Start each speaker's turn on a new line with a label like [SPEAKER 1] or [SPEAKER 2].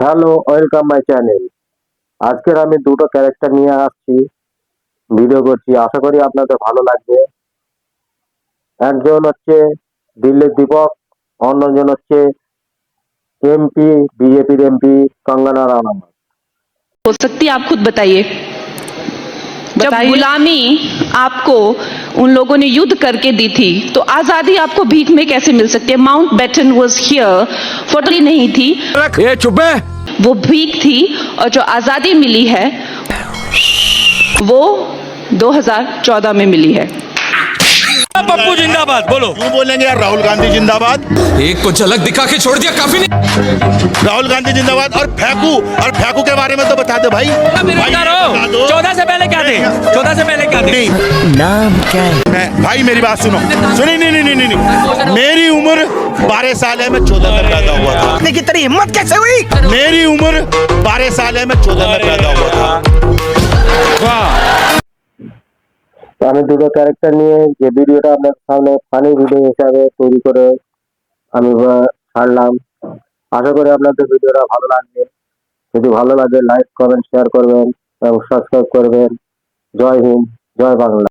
[SPEAKER 1] Hello, welcome my channel. আজকের আমি দুটো ক্যারেক্টার নিয়ে আসছি, ভিডিও করছি। আশা করি আপনাদের ভালো লাগবে। একজন হচ্ছে দিল্লির দীপক, অন্যজন হচ্ছে এমপি, বিজেপির এমপি কঙ্গনা রানাवत।
[SPEAKER 2] हो सकती है आप खुद बताइए। जब गुलामी आपको उन लोगों ने युद्ध करके दी थी तो आजादी आपको भीख में कैसे मिल सकती है? Mountbatten was here formerly नहीं थी,
[SPEAKER 3] ये चुप है।
[SPEAKER 2] वो भीख थी। और जो आजादी मिली है वो 2014 में मिली है।
[SPEAKER 3] पप्पू जिंदाबाद बोलो।
[SPEAKER 4] क्यों बोलेंगे यार? राहुल गांधी जिंदाबाद।
[SPEAKER 3] एक को झलक दिखा के छोड़ दिया, काफी नहीं।
[SPEAKER 4] राहुल गांधी जिंदाबाद। और फेंकू के बारे में तो बता दो भाई। भाई
[SPEAKER 3] 14 से पहले क्या थे? 14 से पहले क्या थे?
[SPEAKER 4] नहीं,
[SPEAKER 5] नाम क्या है?
[SPEAKER 4] भाई मेरी बात सुनो। सुनी नहीं। मेरी उम्र 12 साल है, मैं 14 में पैदा हुआ था।
[SPEAKER 5] की तेरी हिम्मत कैसे हुई?
[SPEAKER 4] मेरी उम्र 12 साल है, मैं 14 में पैदा हुआ था।
[SPEAKER 1] তো আমি দুটো ক্যারেক্টার নিয়ে যে ভিডিওটা আপনার সামনে ফানি ভিডিও হিসাবে তৈরি করে আমি ছাড়লাম। আশা করি আপনাদের ভিডিওটা ভালো লাগবে। যদি ভালো লাগে লাইক, কমেন্ট, শেয়ার করবেন এবং সাবস্ক্রাইব করবেন। জয় হিন্দ, জয় বাংলা।